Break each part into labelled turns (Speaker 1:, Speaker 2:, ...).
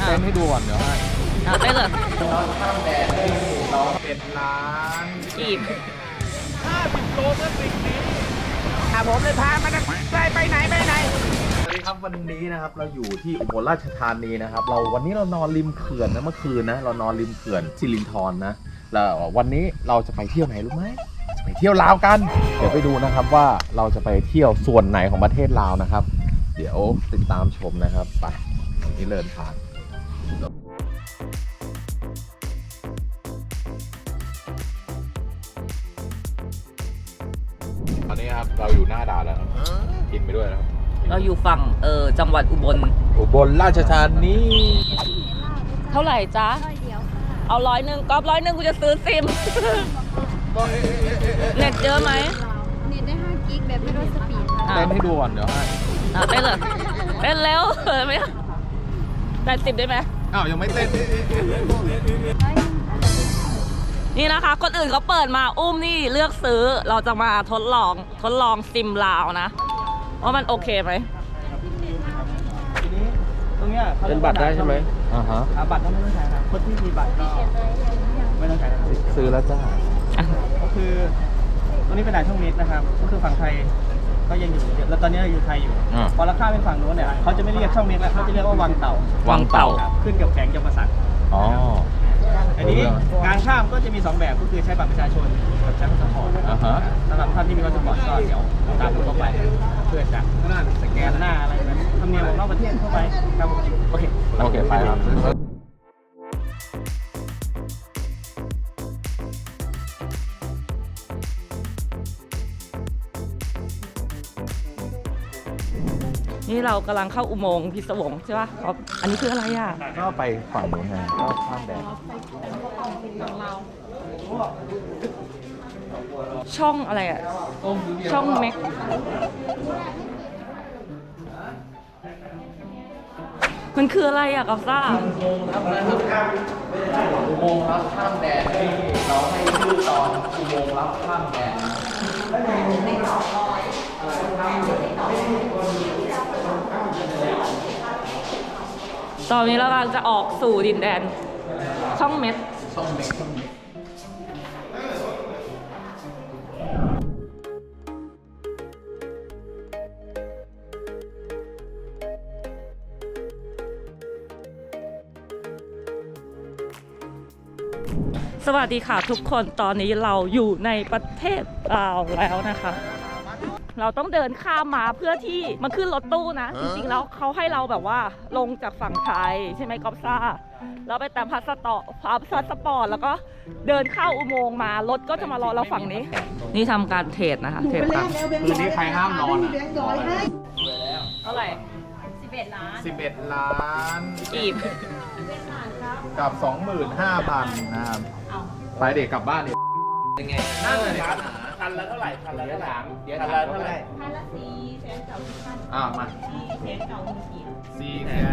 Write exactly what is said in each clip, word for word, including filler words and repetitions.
Speaker 1: ต้นให้ดูก่อนเดี๋ยวให้
Speaker 2: เต้นเลย
Speaker 1: ข้ามแดดให้น้องเป็ดล้าน
Speaker 2: กีบ
Speaker 1: ห้าสิบโลเมื่อสิ่งนี้อ่ะผมเลยพามาไปไปไหนไปไหนสวัสดีครับวันนี้นะครับเราอยู่ที่อุบลราชธานีนะครับเราวันนี้เรานอนริมเขื่อนนะเมื่อคืนนะเรานอนริมเขื่อนสิรินธรนะแล้ววันนี้เราจะไปเที่ยวไหนรู้ไหมไปเที่ยวลาวกันเดี๋ยวไปดูนะครับว่าเราจะไปเที่ยวส่วนไหนของประเทศลาวนะครับเดี๋ยวติดตามชมนะครับไปวันนี้เดินทางตอนนี้ครับเราอยู่หน้าด่านแล้วครับกินไปด้วยนะครับ
Speaker 2: เราอยู่ฝั่งเออจังหวัดอุบล
Speaker 1: อุบลราชธานี
Speaker 2: เท่าไหร่จ๊ะเอาร้อยหนึ่งก๊อฟร้อยหนึ่งกูจะซื้อซิมเน็ตเยอะไหม
Speaker 3: เน็ตได้ห้ากิกแบบไม่ลดสปีด
Speaker 1: เต้นให้ดูก่อนเดี๋ยวให้
Speaker 2: เต้นเลยเต้นแล้วเห็นไหมแปดสิบได้ไหม
Speaker 1: อ้าวยังไม่เต้น
Speaker 2: นี่นะคะคนอื่นเขาเปิดมาอุ้มนี่เลือกซื้อเราจะมาทดลองทดลองซิมลาวนะว่ามันโอเคไหม
Speaker 4: ทีนี้ตรงเนี้ย
Speaker 1: เป็นบัตรได้ใช่ไหมอ่าฮะ
Speaker 4: บัตรก็ไม่ต้องใช้ครับคนที่มีบัตรก็ไม่ต้องใช้
Speaker 1: ซื้อแล้วจ้า
Speaker 4: ก็คือตรงนี้เป็นด่านช่องมิตรนะครับก็คือฝั่งไทยก็ยังอยู่แล้วตอนนี้อยู่ไทยอยู่พอราคาเป็นฝั่งโน้นเนี่ยเขาจะไม่เรียกช่องมิตรแล้วเขาจะเรียกว่าวังเต่า
Speaker 2: วังเต่า
Speaker 4: ขึ้นกับแขวงจำปาสัก
Speaker 1: อ๋อ
Speaker 4: อันนี้การข้ามก็จะมีสองแบบก็คือใช้บัตรประชาชนกับใช้พาสปอร์ตสำหรับท่านที่มีพาสปอร์ตก็เดี๋ยวตามเข้าไปเพื่อจะสแกนหน้าอะไรแบบทำเนียมของนอกประเทศเข้าไปครับโอเค
Speaker 1: โอเคไปครับ
Speaker 2: นี่เรากำลังเข้าอุโมงค์พิศวงใช่ป่ะครับอันนี้คืออะไรอ่ะ
Speaker 1: ก็ไปฝั่งนู้นไงก็ข้ามแดน
Speaker 2: ช่องอะไรอ่ะช่องเม็กมันคืออะไรอ่ะกับซ่า
Speaker 1: อุโมงค์ครับอุโมงค์รับข้ามแดนที่เราให้ชื่อตอนอุโมงค์รับข้ามแดน
Speaker 2: ตอนนี้เรากำลังจะออกสู่ดินแดนช่องเม็ด
Speaker 1: ช่องเม็ดช่องเม็ด
Speaker 2: สวัสดีค่ะทุกคนตอนนี้เราอยู่ในประเทศลาวแล้วนะคะเราต้องเดินข้ามมาเพื่อที่มันขึ้นรถตู้นะจริงๆแล้วเขาให้เราแบบว่าลงจากฝั่งไทยใช่ไหมก๊อฟซ่าเราไปแต่พาสปอร์ตพาสปอร์ตแล้วก็เดินเข้าอุโมงค์มารถก็จะมารอเราฝั่งนี้นี่ทำการเทรดนะคะเทรดตังค์
Speaker 1: คืนนี้ใครห้ามนอนอ่ะ
Speaker 2: เท่าไหร่
Speaker 3: สิบเอ็ดล้าน
Speaker 1: สิบเอ็ดล้าน
Speaker 2: กีบ
Speaker 1: กับสองหมื่นห้าพันนะครับไปเด็กกลับบ้านดิ
Speaker 4: ยังไงนั่นเลยครับพันละเท่าไหร่พันละเท่าไหร่เดี๋ยวถามเท่าไหร่
Speaker 3: พันละสี่แสนเก้าสิบพัน
Speaker 1: อ่ามา
Speaker 3: สี่แสนเก้าหมื่นกีบ
Speaker 1: สี่แสน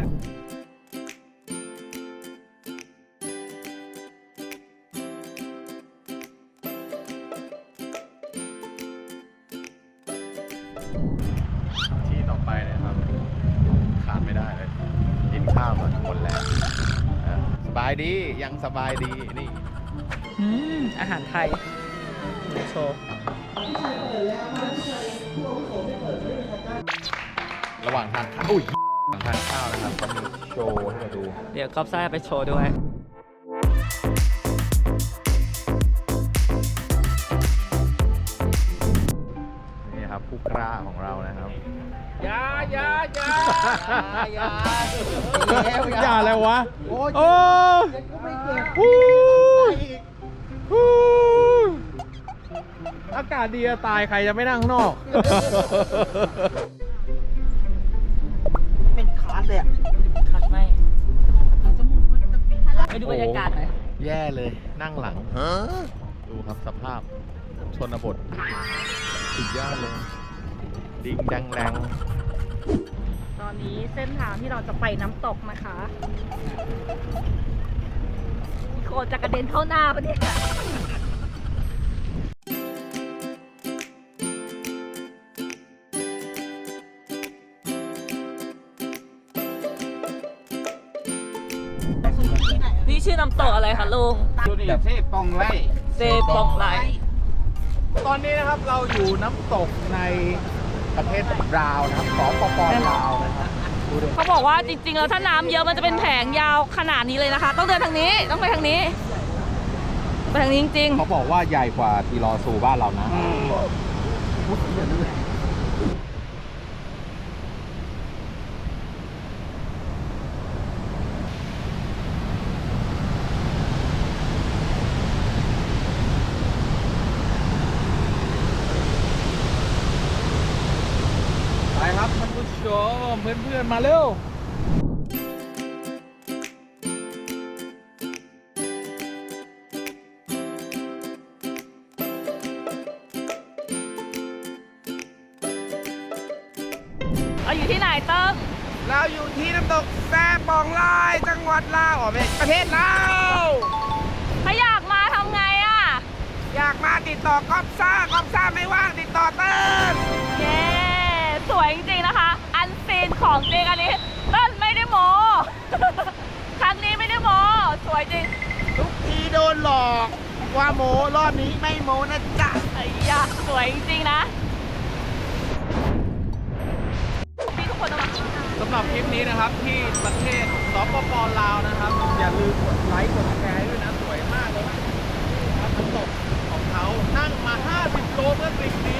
Speaker 1: ที่ต่อไปเนี่ยครับขาดไม่ได้เลยกินข้าวมาหมดแล้วสบายดียังสบายดีนี่
Speaker 2: อาหารไทยโชว์
Speaker 1: ระหว่างทานข้าวอุ้ยระหว่างทานข้าวนะครับก็มีโชว์ให้มาดู
Speaker 2: เดี๋ยวก๊อฟซ่าไปโชว์ด้วย
Speaker 1: นี่ครับผู้กล้าของเรานะครับ
Speaker 4: ยายายายายา
Speaker 1: อย่าอะไรวะโอ้อากาศดีตายใครจะไม่นั่งนอก
Speaker 4: เป็นคาร์ดเลยอ่ะ
Speaker 2: คัดไม่ไปดูบรรยากาศหน่อย
Speaker 1: แย่เลยนั่งหลังดูครับสภาพชนบทสุดยอดเลยดิ่งดังแรง
Speaker 2: ตอนนี้เส้นทางที่เราจะไปน้ำตกนะคะมีโคจะกระเด็นเข้าหน้าปะเนี่ยชื่อน้ำตกอะไรคะลุง
Speaker 4: ดูนี่เทพปองไล่
Speaker 2: เซปองไล
Speaker 1: ตอนนี้นะครับเราอยู่น้ำตกในประเทศลาวนะครับสปปลาวนะครับดูดิ
Speaker 2: เขาบอกว่าจริงๆแล้วถ้าน้ำเยอะมันจะเป็นแผงยาวขนาดนี้เลยนะคะ ต้องเดินทางนี้ต้องไปทางนี้ไปทางนี้จริง
Speaker 1: เขาบอกว่าใหญ่กว่าทีรอซูบ้านเรานะ ไปครับท่านผู้ชมเพื่อนๆมาเร็ว
Speaker 2: ๆเราอยู่ที่ไหนเติ้ง
Speaker 1: เราอยู่ที่น้ำตกแซ่ปองลายจังหวัดลาวอ๋อไม่ประเทศลาว
Speaker 2: ถ้าอยากมาทำไงอ่ะ
Speaker 1: อยากมาติดต่อกอบซ่ากอบซ่าไม่ว่างติดต่อเติ้ล
Speaker 2: เย้สวยจริงๆนะคะ อันซีนของจริงอันนี้เติ้ลไม่ได้โม ครั้งนี้ไม่ได้โมสวยจริง
Speaker 1: ทุกทีโดนหลอกว่าโมรอบนี้ไม่โมนะจ๊ะ
Speaker 2: ไอ้ยะสวยจริงๆนะพี่ทุกคนต้องมา
Speaker 1: สำหรับคลิปนี้นะครับที่ประเทศสปปลาวนะครับ อย่าลืมกดไลค์กดแชร์ด้วยนะสวยมากเลยครับน้ำตกของเขานั่งมาห้าสิบโลเพื่อสิ่งนี้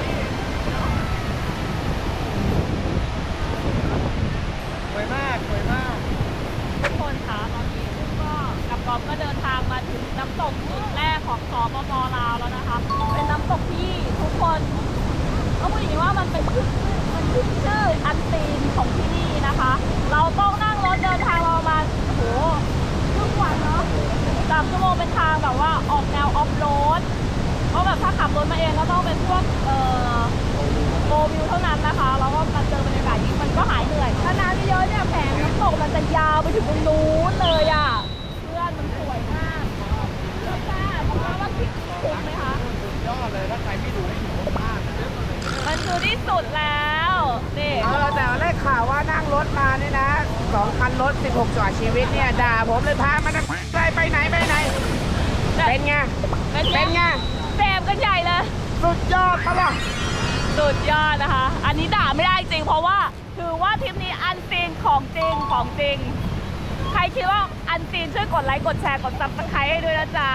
Speaker 1: สวยมากสวยมาก
Speaker 2: ทุกคนคะตอนนี้ซึ่งก็กับกอมก็เดินทางมาถึงน้ำตกจุดแรกของสปปลาวแล้วนะคะ เป็นน้ำตกที่ทุกคนต้องพูดอย่างนี้ว่ามันเป็นขึ้นมันขึ้นชื่ออันซีนของที่นี่นะคะ เราต้องนั่งรถเดินทางเราประมาณโอ้โหครึ่งวันเนาะสามชั่วโมงเป็นทางแบบว่าออกแนวออฟโรดเพราะแบบถ้าขับรถมาเองก็ต้องเป็นพวกเอ่อโกวิวเท่านั้นนะคะแล้วก็มาเจอบรรยากาศอย่างนี้มันก็หายเหนื่อยถ้าน้ำเยอะๆเนี่ยแผงน้ำตกมันจะยาวไปถึงตรงนู้นเลยอ่ะเพื่อนมันสวยมากเพื่อนจ้าเพราะว่าคลิปคุ้มไหมคะ
Speaker 1: ยอดเลยถ้าใครไม่ดูให้ดูมากนะ
Speaker 2: มันคือที่สุดแล้วนี่
Speaker 5: เออแต่ได้ข่าวว่านั่งรถมาเนี่ยนะสองคันรถสิบหกจังหวัดชีวิตเนี่ยด่าผมเลยพามันไปไปไหนไปไหน เป็นไง
Speaker 2: เป็น
Speaker 5: เป็นไง
Speaker 2: แซมกันใหญ่เลย
Speaker 5: สุดยอดปะล่ะ
Speaker 2: สุดยอดนะคะ อันนี้ด่าไม่ได้จริงเพราะว่าถือว่าทริปนี้อันซีนของจริงของจริง ใครคิดว่าอันซีนช่วยกดไลค์กดแชร์กดซับสไครต์ให้ด้วยนะจ๊ะ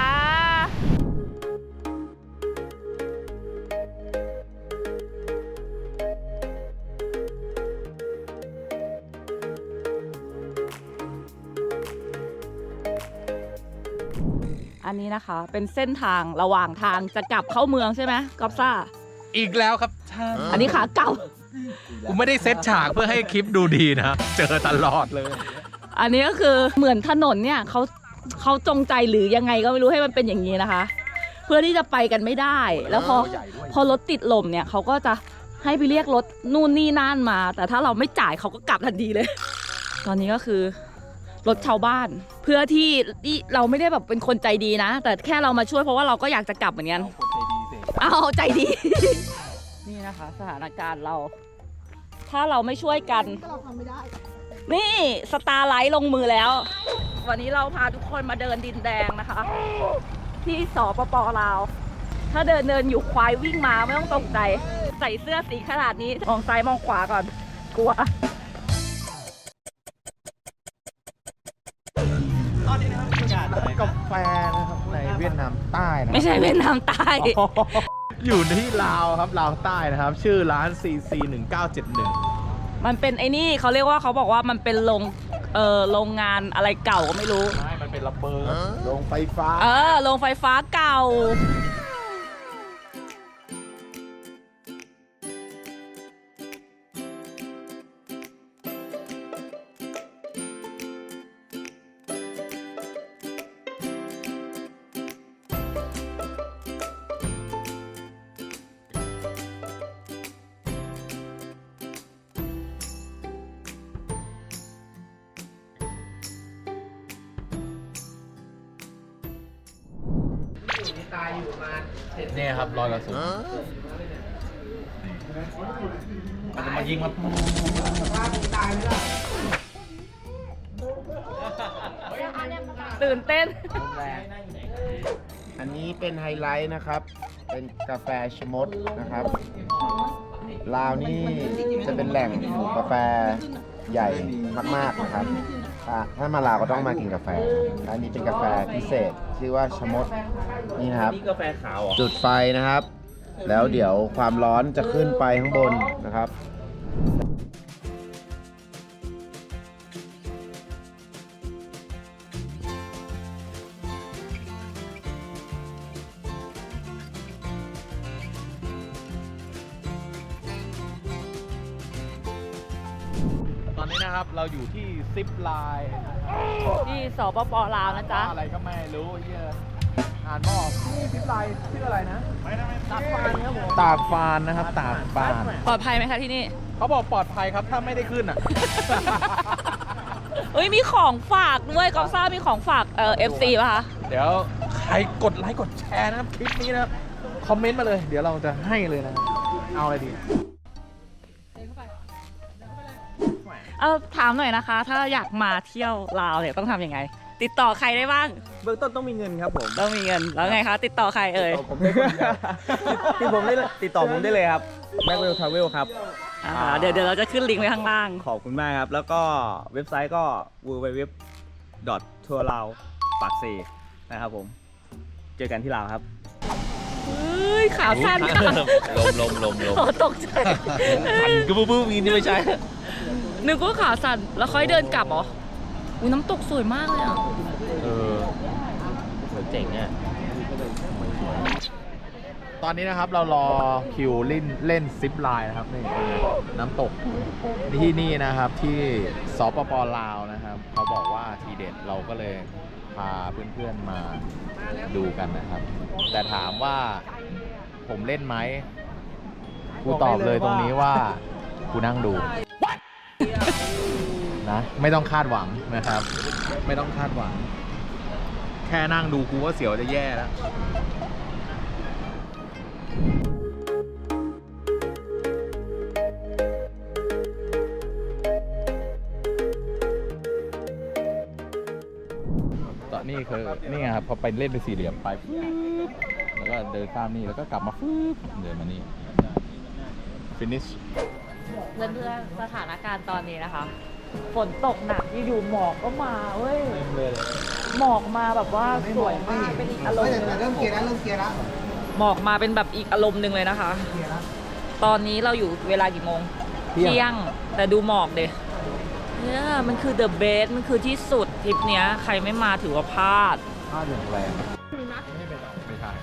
Speaker 2: อันนี้นะคะเป็นเส้นทางระหว่างทางจะกลับเข้าเมืองใช่ไหมกอฟซ่า
Speaker 6: อีกแล้วครับท่าน
Speaker 2: อันนี้ขาเก่า
Speaker 6: กูไม่ได้เซตฉากเพื่อให้คลิปดูดีนะ เจอตลอดเลย
Speaker 2: อันนี้ก็คือเหมือนถนนเนี่ยเขาเขาจงใจหรือยังไงก็ไม่รู้ให้มันเป็นอย่างนี้นะคะ เพื่อที่จะไปกันไม่ได้ แล้วพอพอรถติดลมเนี่ยเขาก็จะให้ไปเรียกรถนู่นนี่นั่นมา แต่ถ้าเราไม่จ่ายเขาก็กลับทันทีเลย ตอนนี้ก็คือรถชาวบ้าน เพื่อที่ที่เราไม่ได้แบบเป็นคนใจดีนะ แต่แค่เรามาช่วยเพราะว่าเราก็อยากจะกลับเหมือนกันเอาใจดี นี่นะคะสถานการณ์เรา ถ้าเราไม่ช่วยกันเราทำไม่ได้ นี่สตาร์ไลท์ลงมือแล้ว วันนี้เราพาทุกคนมาเดินดินแดงนะคะ ที่สปปลาว ถ้าเดินเดินอยู่ควายวิ่งมาไม่ต้องตกใจ ใส่เสื้อสีขนาดนี้มองซ้ายมองขวาก่อน กลัว
Speaker 4: ตอนนี้นะครับบรรยากาศอะไร
Speaker 1: กาแฟนะครับในเวียดนามใต้นะ
Speaker 2: ไม่ใช่เวียดนามใต้
Speaker 1: อยู่ที่ลาวครับลาวใต้นะครับ ชื่อร้าน ซี ซี หนึ่งเก้าเจ็ดหนึ่ง
Speaker 2: มันเป็นไอ้นี่เขาเรียกว่าเขาบอกว่ามันเป็นโรงเออโรงงานอะไรเก่าก็ไม่รู้
Speaker 1: ไม่ มันเป็นระเบิดโรงไฟฟ้า
Speaker 2: เออโรงไฟฟ้าเก่า
Speaker 1: เนี่ยครับรอยกระสุนมันจะมายิงมา
Speaker 2: ตื่นเต้น
Speaker 5: อันนี้เป็นไฮไลท์นะครับ เป็นกาแฟชะมดนะครับลาวนี่จะเป็นแหล่งปลูกกาแฟใหญ่มากๆนะครับถ้าถ้ามาลาวก็ต้องมากินกาแฟ อันนี้เป็นกาแฟพิเศษชื่อว่าชะมดนี่นะครับ
Speaker 4: นี่กาแฟขาวเหรอ
Speaker 5: จุดไฟนะครับ แล้วเดี๋ยวความร้อนจะขึ้นไปข้างบนนะครับ
Speaker 1: ตอนนี้นะครับเราอยู่ที่ซิปไลน์
Speaker 2: ที่สปปลาวนะจ๊ะ
Speaker 1: อะไรก็ไม่รู้เยอะอ่านไม่ออกนี่ซิปไลน์ชื่ออะไรนะตากฟานครับผมตากฟานนะครับตากฟาน
Speaker 2: ปลอดภัยไหมคะที่นี่
Speaker 1: เขาบอกปลอดภัยครับถ้าไม่ได้ขึ้นอ่ะ
Speaker 2: เอ้ยมีของฝากด้วยกอฟซ่ามีของฝากเอ่อ เอฟ ซี ป่ะคะ
Speaker 1: เดี๋ยวใครกดไลค์กดแชร์นะครับคลิปนี้นะครับคอมเมนต์มาเลย เดี๋ยวเราจะให้เลยนะเอาอะไรดี
Speaker 2: เอาถามหน่อยนะคะ ถ้าอยากมาเที่ยวลาวเนี่ยต้องทำยังไง ติดต่อใครได้บ้าง
Speaker 4: เบื้องต้นต้องมีเงินครับผม
Speaker 2: ต้องมีเงินแล้วไงคะติดต่อใครเอ่ย
Speaker 4: ผมได้คนเดียวที่ผมได้ติดต่อผมได้เลยครับ Blackwell Travel ครับ
Speaker 2: อ่าเดี๋ยวเดี๋ยวเราจะขึ้นลิงก์ไว้ข้างล่าง
Speaker 4: ขอบคุณมากครับ แล้วก็เว็บไซต์ก็ ดับเบิลยู ดับเบิลยู ดับเบิลยู ดอท ทัวร์ลาวปากเซนะครับผม เจอกันที่ลาวครับ
Speaker 2: เฮ้ยขาสั้น
Speaker 6: ลมลมลมลม
Speaker 2: โอ้ตกใจ
Speaker 6: สั่นกึ๊บบึ้มอย่างนี้ไม่ใช่
Speaker 2: นึกว่าขาสั่นแล้วค่อยเดินกลับเหรออุ้ยน้ำตกสวยมากเลยอ่ะ
Speaker 6: เออเจ๋งเนี่ย
Speaker 1: ตอนนี้นะครับเรารอคิวเล่นเล่นซิปไลน์นะครับนี่น้ำตกที่นี่นะครับที่สปปลาวนะครับเขาบอกว่าทีเด็ดเราก็เลยพาเพื่อนๆมาดูกันนะครับ แต่ถามว่าผมเล่นไหมกูตอบเลยตรงนี้ว่ากูนั่งดูนะไม่ต้องคาดหวังนะครับ ไม่ต้องคาดหวัง แค่นั่งดูกูก็เสียวจะแย่แล้ว ตอนนี้คือนี่ไงครับพอไปเล่นเป็นสี่เหลี่ยมไปฟึ๊บแล้วก็เดินข้ามนี่แล้วก็กลับมาฟึ๊บเดินมานี่ finish
Speaker 2: เพื่อนเพื่อนๆสถานการณ์ตอนนี้นะคะ ฝนตกหนักอยู่ๆหมอกก็มาเว้ยหมอกมาแบบว่าสวยมากเป็นอีกอารมณ์หนึง
Speaker 5: เริ่มเกียร์แล้วเริ่มเกียร์แล้ว
Speaker 2: หมอกมาเป็นแบบอีกอารมณ์หนึ่งเลยนะคะ ตอนนี้เราอยู่เวลากี่โมง
Speaker 1: เที่ยง
Speaker 2: งแต่ดูหมอกเด็เนี่ยมันคือ the best มันคือที่สุดทริปเนี้ยใครไม่มาถือว่าพลาด
Speaker 1: ผ้าเดือดแรงไม่ใช่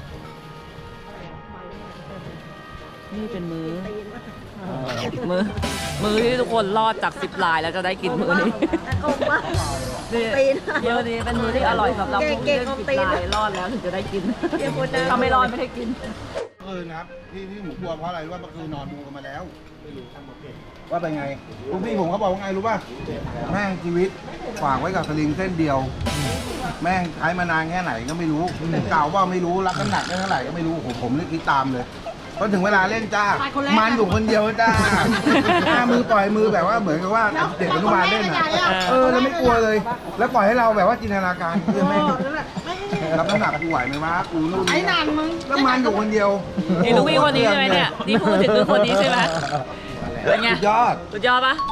Speaker 2: นี่เป็นมือมือ มือที่ทุกคนรอดจากสิบลายแล้วจะได้กินมือนี้นี่มือนี้เป็นมือที่อร่อยสำหรับผู้ที่สิบลายรอดแล้วถึงจะได้กินถ้าไม่รอดไม่ได้กิน
Speaker 7: เมื่อคืนนะครับที่ที่หมูกลัวเพราะอะไรรู้ว่าเมื่อคืนนอนดูกันมาแล้วว่าเป็นไงลูกพี่ผมเขาบอกว่าไงรู้ป่ะแม่งชีวิตฝากไว้กับสลิงเส้นเดียว แม่งใช้มานานแค่ไหนก็ไม่รู้เก่าว่าไม่รู้รับน้ำหนักได้เท่าไหร่ก็ไม่รู้ผมผมเลยคิดตามเลยพอถึงเวลาเล่นจ้ามันอยู่คนเดียวจ้าหน้ามือปล่อยมือแบบว่าเหมือนกับว่าเด็กอนุบาลเล่นอ่ะเออแล้วไม่กลัวเลย แล้วปล่อยให้เราแบบว่าจินตนาการคือแม่งรับน้ำหนักกูไหวไหมวะกูนู่นนี่แล้วมันอยู่คนเดียว
Speaker 2: นี่ลูกพี่คนนี้ใช่ไหมเนี่ยนี่พูดถึงคือคนนี้ใช่ไหมเป็นไง
Speaker 7: สุดยอด
Speaker 2: สุดยอดปะ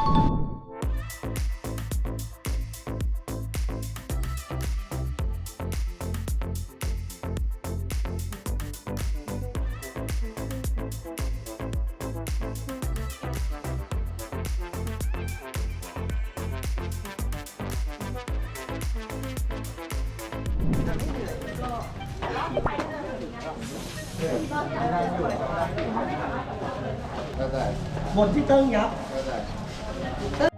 Speaker 7: หมดที่เติ้งยับ